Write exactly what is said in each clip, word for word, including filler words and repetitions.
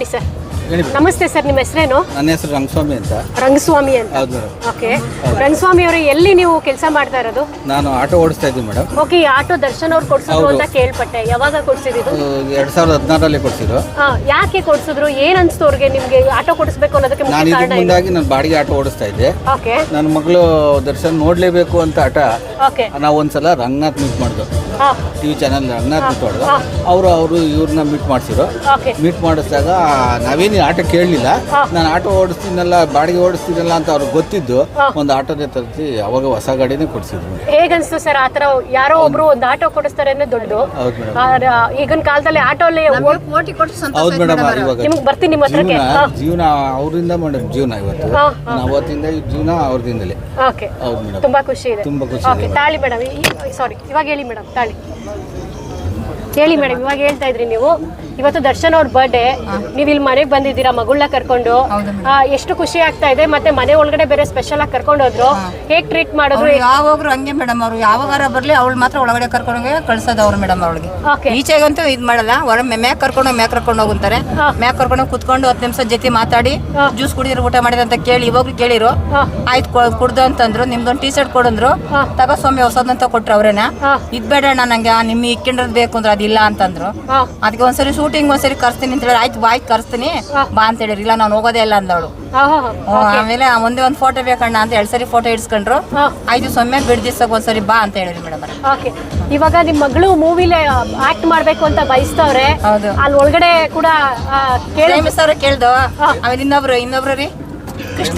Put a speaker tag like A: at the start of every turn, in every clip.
A: ಬನ್ನಿ ಸರ್. ನಮಸ್ತೆ ಸರ್, ನಿಮ್ಮ ಹೆಸರೇನು?
B: ನನ್ನ ಹೆಸರು ರಂಗಸ್ವಾಮಿ ಅಂತ.
A: ರಂಗಸ್ವಾಮಿ ಅಂತ.
B: ಹೌದು.
A: ಓಕೆ, ರಂಗಸ್ವಾಮಿ ಅವರು ಎಲ್ಲಿ ನೀವು ಕೆಲಸ ಮಾಡ್ತಾ ಇರೋದು?
B: ನಾನು ಆಟೋ ಓಡಿಸ್ತಾ ಇದ್ದೀನಿ ಮೇಡಮ್.
A: ಓಕೆ, ಈ ಆಟೋ ದರ್ಶನ್ ಅವ್ರು ಕೊಡ್ಸಿದ್ರು ಅಂತ ಕೇಳ್ಪಟ್ಟೆ. ಯಾವಾಗ ಕೊಡ್ಸಿದ್ರು?
B: ಎರಡ್ ಸಾವಿರದ ಹದಿನಾರರಲ್ಲಿ ಕೊಡ್ಸಿದ್ರು.
A: ಹಾ, ಯಾಕೆ ಕೊಡ್ಸಿದ್ರು? ಏನ್ ಅನ್ಸ್ತು ಅವ್ರಿಗೆ ನಿಮ್ಗೆ ಆಟೋ ಕೊಡಿಸ್ಬೇಕು ಅನ್ನೋದಕ್ಕೆ?
B: ನಾನು ಇದಕ್ಕೆ ಮುಂದಾಗಿ ನಾನು ಬಾಡಿಗೆ ಆಟೋ ಓಡಿಸ್ತಾ ಇದ್ದೆ.
A: ಓಕೆ.
B: ನನ್ನ ಮಗಳು ದರ್ಶನ್ ನೋಡ್ಲೇಬೇಕು ಅಂತ ಆಟ.
A: ಓಕೆ.
B: ನಾವು ಒಂದ್ಸಲ ರಂಗನಾಥ್ ಮೀಟ್ ಮಾಡಿದ್ವು, ಟಿವಿ ಚಾನಲ್ ರಂಗನಾಥ್ ಮೀಟ್ ಮಾಡಿದ್ರು. ಅವರು ಅವರು ಇವ್ರನ್ನ ಮೀಟ್ ಮಾಡಿಸಿದ್ರು. ಮೀಟ್ ಮಾಡಿಸಿದಾಗ ನಾವೇನು ಆಟೋ ಕೇಳಲಿಲ್ಲ. ನಾನು ಆಟೋ ಓಡಿಸ್ತೀನಲ್ಲ, ಬಾಡಿಗೆ ಓಡಿಸ್ತೀನಲ್ಲ ಅಂತ ಅವ್ರಿಗೆ ಗೊತ್ತಿದ್ದು ಒಂದು ಆಟೋನೇ ತರಿಸಿ ಅವಾಗ ಹೊಸ ಗಾಡಿನೇ ಕೊಡಿಸಿದ್ರು.
A: ಹೇಗನ್ಸ್ತು ಸರ್ ಆತರ ಯಾರೋ ಒಬ್ರು ಒಂದು ಆಟೋ ಕೊಡಿಸ್ತಾರೆ ಅನ್ನೋ ದೊಡ್ಡದು?
B: ಹೌದು ಮೇಡಮ್.
A: ಈಗಿನ ಕಾಲದಲ್ಲಿ ಆಟೋ ಅಲ್ಲಿ
B: ಹೌದು ಮೇಡಮ್. ಇವಾಗ
A: ನಿಮ್ಗೆ ಬರ್ತೀನಿ ನಿಮ್ಮ ಹತ್ರಕ್ಕೆ.
B: ಜೀವನ ಅವರಿಂದ ಮೇಡಮ್, ಜೀವನ ಇವತ್ತು ಅವತ್ತಿಂದ ಜೀವನ ಅವ್ರದಿಂದಲೇ.
A: ಓಕೆ.
B: ಹೌದು ಮೇಡಮ್.
A: ತುಂಬಾ ಖುಷಿ ಇದೆ.
B: ತುಂಬಾ ಖುಷಿ
A: ಓಕೆ, ತಾಳಿ ಮೇಡಮ್. ಸಾರಿ, ಇವಾಗ ಹೇಳಿ ಮೇಡಮ್. ತಾಳಿ ಹೇಳಿ ಮೇಡಮ್. ಇವಾಗ ಹೇಳ್ತಾ ಇದ್ರಿ ನೀವು ಇವತ್ತು ದರ್ಶನ್ ಅವ್ರ ಬರ್ಡೇ, ನೀವು ಇಲ್ಲಿ ಮನೆಗೆ ಬಂದಿದ್ದೀರಾ ಮಗಳನ್ನ ಕರ್ಕೊಂಡು. ಎಷ್ಟು ಖುಷಿ ಆಗ್ತಾ ಇದೆ. ಮತ್ತೆ ಮನೆ ಒಳಗಡೆ ಬೇರೆ ಸ್ಪೆಷಲ್ ಆಗಿ ಕರ್ಕೊಂಡು ಹೋದ್ರು. ಹೇಗ್ ಟ್ರೀಟ್ ಮಾಡಿದ್ರು?
C: ಯಾವಾಗ್ರು ಹಂಗೆ ಮೇಡಮ್. ಅವ್ರು ಯಾವಾಗಾರ ಬರ್ಲಿ ಅವಳು ಮಾತ್ರ ಒಳಗಡೆ ಕರ್ಕೊಂಡೋಗಿ ಕಳ್ಸೋದು ಅವ್ರು ಮೇಡಮ್. ಅವಳಿಗೆ ಈಚೆಗಂತೂ ಇದ್ ಮಾಡಲ್ಲ. ಹೊರ ಮ್ಯಾಕ್ ಕರ್ಕೊಂಡು ಮ್ಯಾಕ್ ಕರ್ಕೊಂಡು ಹೋಗುತ್ತಾರೆ. ಮ್ಯಾಕ್ ಕರ್ಕೊಂಡು ಕುತ್ಕೊಂಡು ಹತ್ತು ನಿಮಿಷ ಜೊತೆ ಮಾತಾಡಿ ಜ್ಯೂಸ್ ಕುಡಿದ್ರು ಊಟ ಮಾಡಿದ್ರೆ ಅಂತ ಕೇಳಿ ಇವಾಗ್ಲೂ ಕೇಳಿರು. ಆಯ್ತು ಕುಡ್ದು ಅಂತಂದ್ರು. ನಿಮ್ದೊಂದು ಟೀ ಶರ್ಟ್ ಕೊಡಂದ್ರು. ತಗೋ ಸೌಮ್ಯ ಹೊಸದಂತ ಕೊಟ್ರು ಅವ್ರೇನ. ಇದ್ ಬೇಡ ನಂಗೆ ನಿಮ್ ಇಕ್ಕಿಂಡ್ರದ್ ಬೇಕು ಅಂದ್ರೆ ಅದಿಲ್ಲ ಅಂತಂದ್ರು. ಅದಕ್ಕೆ ಒಂದ್ಸರಿ ಶೂಟಿಂಗ್ ಒಂದ್ಸರಿ ಕರ್ಸ್ತೀನಿ ಅಂತ ಹೇಳಿ ಆಯ್ತು ಬಾಯ್ತು ಕರ್ಸ್ತೀನಿ ಬಾ ಅಂತ ಹೇಳಿರಿ. ಇಲ್ಲ ನಾನು ಹೋಗೋದೇ ಇಲ್ಲ ಅಂದವಳು. ಆಮೇಲೆ ಒಂದೇ ಒಂದ್ ಫೋಟೋ ಬೇಕಣ್ಣ ಅಂತ ಎರಡ್ ಸರಿ ಫೋಟೋ ಇಡ್ಸ್ಕೊಂಡ್ರು. ಆಯ್ತು ಸೊಮ್ಮೆ ಬಿಡ್ ದಿವ್ಸಕ್ ಒಂದ್ಸರಿ ಬಾ ಅಂತ ಹೇಳಿರಿ ಮೇಡಮ್.
A: ಇವಾಗ ನಿಮ್ ಮಗಳು ಮೂವಿಲಿ ಆಕ್ಟ್ ಮಾಡ್ಬೇಕು ಅಂತ ಬಯಸ್ತವ್ರೆ. ಅಲ್ಲಿ ಒಳಗಡೆ ಕೂಡ
C: ಮಿಸ್ ಅವ್ರ ಕೇಳ್ದು. ಆಮೇಲೆ ಇನ್ನೊಬ್ರು ಇನ್ನೊಬ್ರು ರೀ ಕೃಷ್ಣ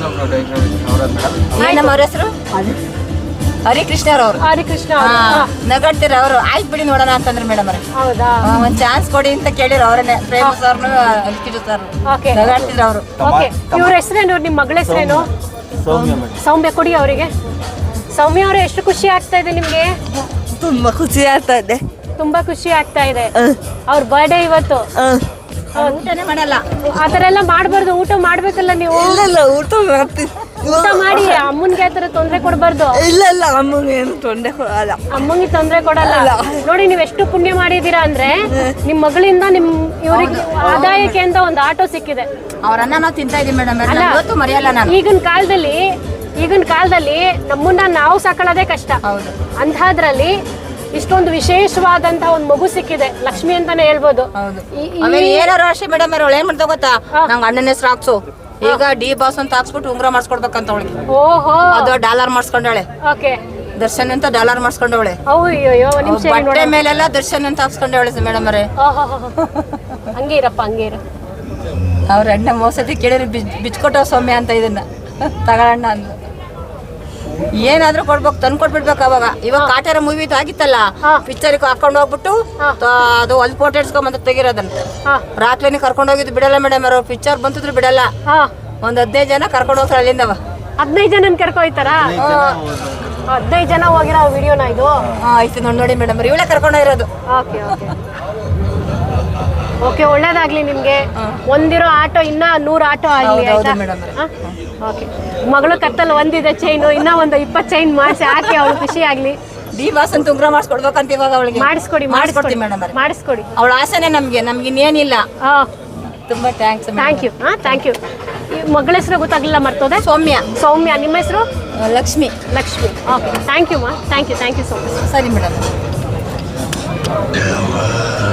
C: ಏನಮ್ಮ ಅವ್ರ ಹೆಸರು? ಹರಿಕೃಷ್ಣ ಅವ್ರು.
A: ಹರಿಕೃಷ್ಣ
C: ನಗಾಡ್ತೀರ ಅವರು. ಆಯ್ತು ಬಿಡಿ ನೋಡೋಣ ಅಂತಂದ್ರೆ ಮೇಡಮ್ ಅವ್ರೆ.
A: ಹೌದಾ?
C: ಒಂದ್ ಚಾನ್ಸ್ ಕೊಡಿ ಅಂತ ಕೇಳಿರ ಅವ್ರನ್ನೇ. ಫೇಮಸ್ ಅವ್ರನ್ನು ನಗಾಡ್ತಿದ್ರು ಅವರು.
A: ಇವ್ರ ಹೆಸರೇನು? ನಿಮ್ ಮಗಳ ಹೆಸರೇನು? ಸೌಮ್ಯ. ಕೊಡಿ ಅವರಿಗೆ. ಸೌಮ್ಯ ಅವರೇ, ಎಷ್ಟು ಖುಷಿ ಆಗ್ತಾ ಇದೆ ನಿಮ್ಗೆ?
D: ತುಂಬಾ ಖುಷಿ ಆಗ್ತಾ ಇದೆ.
A: ತುಂಬಾ ಖುಷಿ ಆಗ್ತಾ ಇದೆ. ಅವ್ರ ಬರ್ಡೇ ಇವತ್ತು.
C: ಊಟನೇ ಮಾಡಲ್ಲ.
A: ಆತರ ಎಲ್ಲ ಮಾಡ್ಬಾರ್ದು. ಊಟ ಮಾಡ್ಬೇಕಲ್ಲ ನೀವು.
D: ಇಲ್ಲ ಊಟ ಮಾಡ್ತೀವಿ.
A: ಊಟ ಮಾಡಿ. ಅಮ್ಮನ್ಗೆ ಆತರ ತೊಂದ್ರೆ ಕೊಡ್ಬಾರ್ದು.
D: ಇಲ್ಲ ಇಲ್ಲ ಅಮ್ಮಂಗೆ ಏನು ತೊಂದರೆ ಕೊಡಲ್ಲ.
A: ಅಮ್ಮಂಗೆ ತೊಂದ್ರೆ ಕೊಡಲ್ಲ. ನೋಡಿ ನೀವ್ ಎಷ್ಟು ಪುಣ್ಯ ಮಾಡಿದೀರಾ ಅಂದ್ರೆ ನಿಮ್ ಮಗಳಿಂದ ನಿಮ್ ಇವ್ರಿಗೆ ಆದಾಯಕ್ಕೆ ಅಂತ ಒಂದು ಆಟೋ ಸಿಕ್ಕಿದೆ.
C: ಅವ್ರನ್ನ ನಾವು ತಿಂತಾ ಇದೀವಿ ಮೇಡಮ್. ಮರೆಯಲ್ಲ ನಾನು.
A: ಈಗಿನ ಕಾಲದಲ್ಲಿ ಈಗಿನ ಕಾಲದಲ್ಲಿ ನಮ್ಮನ್ನ ನಾವು ಸಾಕೊಳ್ಳೋದೇ ಕಷ್ಟ. ಅಂಥದ್ರಲ್ಲಿ ಇಷ್ಟೊಂದು ವಿಶೇಷವಾದಂತ ಒಂದು ಮಗು ಸಿಕ್ಕಿದೆ. ಲಕ್ಷ್ಮಿ ಅಂತಾನೆ ಹೇಳ್ಬೋದು.
C: ಏನಾರು ಅಷ್ಟೇ ಮೇಡಮ್. ಅವ್ಳು ಏನ್ ಮಾಡ್ತಾ ಗೊತ್ತಾ? ನಂಗೆ ಅಣ್ಣನ ಹೆಸರು ಹಾಕ್ಸು. ಈಗ ಡಿ ಬಾಸ್ ಅಂತ ಹಾಕ್ಸ್ಬಿಟ್ಟು ಉಂಗ್ರ ಮಾಡಿಸ್ಕೊಡ್ಬೇಕಂತ ಅವಳಿಗೆ.
A: ಓಹೋ. ಅದು
C: ಡಾಲರ್ ಮಾಡಿಸ್ಕೊಂಡವಳೆ.
A: ಓಕೆ.
C: ದರ್ಶನ್ ಅಂತ ಡಾಲರ್ ಮಾಡಿಸ್ಕೊಂಡವಳೆ. ಬಟ್ಟೆ ಮೇಲೆಲ್ಲ ದರ್ಶನ್ ಅಂತ ಹಾಕ್ಸ್ಕೊಂಡವಳೆ ಮೇಡಮ್ ಅವರೇ.
A: ಹಂಗೆ ಇರಪ್ಪ, ಹಂಗೆ ಇರ.
C: ಅವ್ರ ಅಣ್ಣ ಮೋಸತಿ ಕೇಳಿರಿ ಬಿಚ್ಕೊಟ್ಟವ ಸೌಮ್ಯ ಅಂತ ಇದನ್ನ ತಗೊಳ್ಳೋಣ ಅಂದ್ರು. ಏನಾದ್ರೂ ಕೊಡ್ಬೇಕು, ತಂದು ಕೊಟ್ಬಿಡ್ಬೇಕು. ಅವಾಗ ಇವಾಗ ಕಾಟೇರ ಮೂವಿ ಆಗಿತ್ತಲ್ಲ, ಪಿಕ್ಚರ್ ಹಾಕೊಂಡು ಹೋಗ್ಬಿಟ್ಟು ಅದು ಅಲ್ಲಿ ಫೋಟೋ ಇಡ್ಸ್ಕೊಂಬಂತ ತೆಗಿರೋದನ್ನ ರಾತ್ರಿನೇ ಕರ್ಕೊಂಡು ಹೋಗಿದ್ದು ಬಿಡಲ್ಲ ಮೇಡಮ್. ಅವರು ಪಿಕ್ಚರ್ ಬಂತಿದ್ರು ಬಿಡಲ್ಲ. ಒಂದ್ ಹದಿನೈದು ಜನ ಕರ್ಕೊಂಡು ಹೋಗ್ತಾರೆ ಅಲ್ಲಿಂದವ.
A: ಹದಿನೈದು ಜನ ಕರ್ಕೊ ಹೋಯ್ತಾರ? ಹದಿನೈದು ಜನ ಹೋಗಿರೋ ವಿಡಿಯೋನ ಇದು?
C: ಆಯ್ತು ನೋಡಿ ನೋಡಿ ಮೇಡಮ್. ಇವಳೇ ಕರ್ಕೊಂಡು ಹೋಗಿರೋದು.
A: Okay okay okay. ಒಳ್ಳೇದಾಗ್ಲಿ ನಿಮ್ಗೆ. ಒಂದಿರೋ ಆಟೋ ಇನ್ನ ನೂರು ಆಟೋ ಆಗ್ಲಿ. ಓಕೆ. ಮಗಳು ಕತ್ತಲ್ಲಿ ಒಂದಿದೆ ಚೈನು, ಇನ್ನ ಒಂದು ಇಪ್ಪತ್ತು ಚೈನ್ ಮಾಡಿಸಿ ಹಾಕಿ ಅವಳು ಖುಷಿ ಆಗ್ಲಿ.
C: ಡಿ ಬಾಸ್ ಅಂತ ಉಂಗ್ರ ಮಾಡಿಸ್ಕೊಡ್ಬೇಕಂತ ಇವಾಗ ಅವಳಿಗೆ
A: ಮಾಡಿಸ್ಕೊಡಿ. ಮಾಡಿಸ್ಕೊಡ್ತೀವಿ ಮೇಡಮ್. ಮಾಡಿಸ್ಕೊಡಿ.
C: ಅವಳ ಆಸೆನೆ ನಮ್ಗೆ. ನಮ್ಗೆ ಇನ್ನೇನಿಲ್ಲ. ತುಂಬಾ ಥ್ಯಾಂಕ್ಸ್.
A: Thank you. ಹಾ, ಥ್ಯಾಂಕ್ ಯು. ಮಗಳ ಹೆಸರು ಗೊತ್ತಾಗ್ಲಿಲ್ಲ, ಮರ್ತೋದೆ.
C: ಸೌಮ್ಯ.
A: ಸೌಮ್ಯ. ನಿಮ್ಮ ಹೆಸರು?
C: Lakshmi.
A: Lakshmi. Okay. Thank you ಮಾ. Thank you. Thank you so much.
C: ಸರಿ ಮೇಡಮ್.